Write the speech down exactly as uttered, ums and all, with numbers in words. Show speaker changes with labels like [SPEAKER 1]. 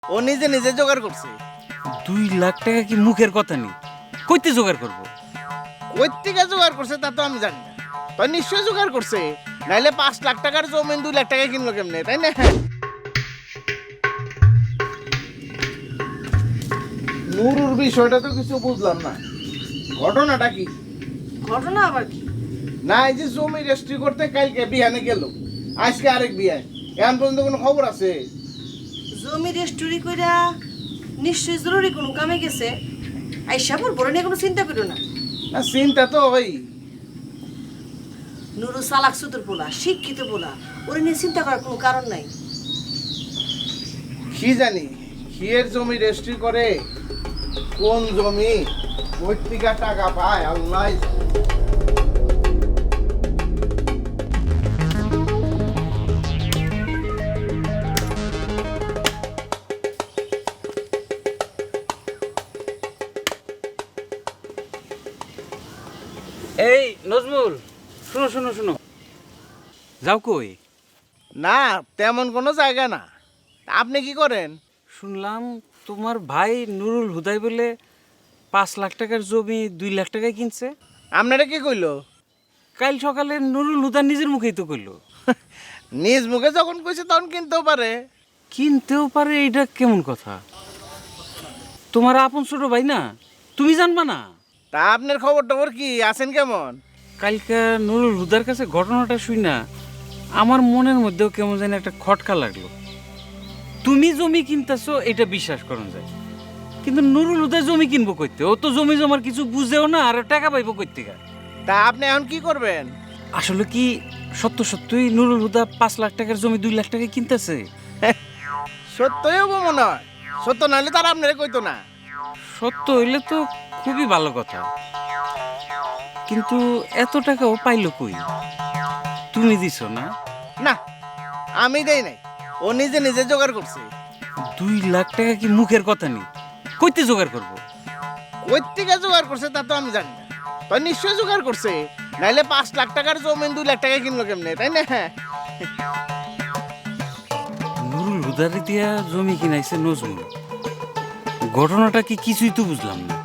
[SPEAKER 1] ও নিজে নিজে জোগাড় করছে।
[SPEAKER 2] দুই লাখ টাকা কি মুখের কথা নেই, কইতে জোগাড় করবো?
[SPEAKER 1] কই থেকে জোগাড় করছে তা তো আমি জানি না, তো নিশ্চয়ই জোগাড় করছে, নাইলে পাঁচ লাখ টাকার জমিন দুই লাখ টাকা কিনলো কেমনে, তাই না? নুরুর বিষয়টা তো কিছু বুঝলাম না, ঘটনাটা কি?
[SPEAKER 3] ঘটনা আবার কি?
[SPEAKER 1] না এই যে জমি রেজিস্ট্রি করতে কালকে বিয়ানে গেল, আজকে আরেক বিয়ান, এখন পর্যন্ত কোনো খবর আছে?
[SPEAKER 3] জমি রেস্টুরি কইরা নিশ্চয়ই জরুরি কোনো কামে গেছে। আইসা পর বড় নিয়ে কোনো চিন্তা করো না।
[SPEAKER 1] না চিন্তা তো ওই
[SPEAKER 3] নুরু সালাক সুতর পোলা, শিক্ষিত পোলা, ওরে নিয়ে চিন্তা করার কোনো কারণ নাই।
[SPEAKER 1] কি জানি কিয়ের জমি রেজিস্ট্রি করে, কোন জমি, পত্রিকা টাকা পায় আল্লাহ।
[SPEAKER 2] এই নজমুল, শুনো শুনো শুনো, যাও কই?
[SPEAKER 1] না তেমন কোনো জায়গা না, আপনি কি করেন?
[SPEAKER 2] শুনলাম তোমার ভাই নুরুল হুদাই বলে পাঁচ লাখ টাকার জমি দুই লাখ টাকায় কিনছে।
[SPEAKER 1] আপনারা কি কইলো?
[SPEAKER 2] কাল সকালে নুরুল হুদা নিজের মুখেই তো কইলো।
[SPEAKER 1] নিজ মুখে যখন কইছে তখন কিনতেও পারে।
[SPEAKER 2] কিনতেও পারে, এইটা কেমন কথা? তোমার আপন ছোট ভাই না, তুমি জানবা না?
[SPEAKER 1] তা আপনার খবর টবর কি, আছেন কেমন?
[SPEAKER 2] কালকে নুরুল হুদার কাছে ঘটনাটা শুই না, আমার মনের মধ্যেও কেমন যেন একটা খটকা লাগলো। তুমি জমি কিনতেছো এটা বিশ্বাস করুন যায়, কিন্তু নুরুল হুদা জমি কিনবো কইতে? ও তো জমি জমার কিছু বুঝেও না, আর টাকা পাইবো কইতে?
[SPEAKER 1] তা আপনি এখন কি করবেন?
[SPEAKER 2] আসলে কি সত্য সত্যই নুরুল হুদা পাঁচ লাখ টাকার জমি দুই লাখ টাকায় কিনতেছে?
[SPEAKER 1] সত্যই হবো মনে হয়, সত্য নাহলে তার আপনারা কইতো না।
[SPEAKER 2] সত্য হইলে তো খুবই ভালো কথা, কিন্তু এত টাকাও পাইলো কই? তুমি দিছো না?
[SPEAKER 1] না আমি দেই নাই, ও নিজে নিজে জোগাড় করছে।
[SPEAKER 2] দুই লাখ টাকা কি মুখের কথা নেই, কইতে জোগাড় করবো?
[SPEAKER 1] কই থেকে জোগাড় করছে তা তো আমি জানি না, তো নিশ্চয়ই জোগাড় করছে, নাইলে পাঁচ লাখ টাকার জমিন দুই লাখ টাকা কিনলো কেমনে, তাই না?
[SPEAKER 2] নুরুল হুদারে দিয়া জমি কিনাইছে নজরুল, ঘটনাটা কি কিছুই তো বুঝলাম না।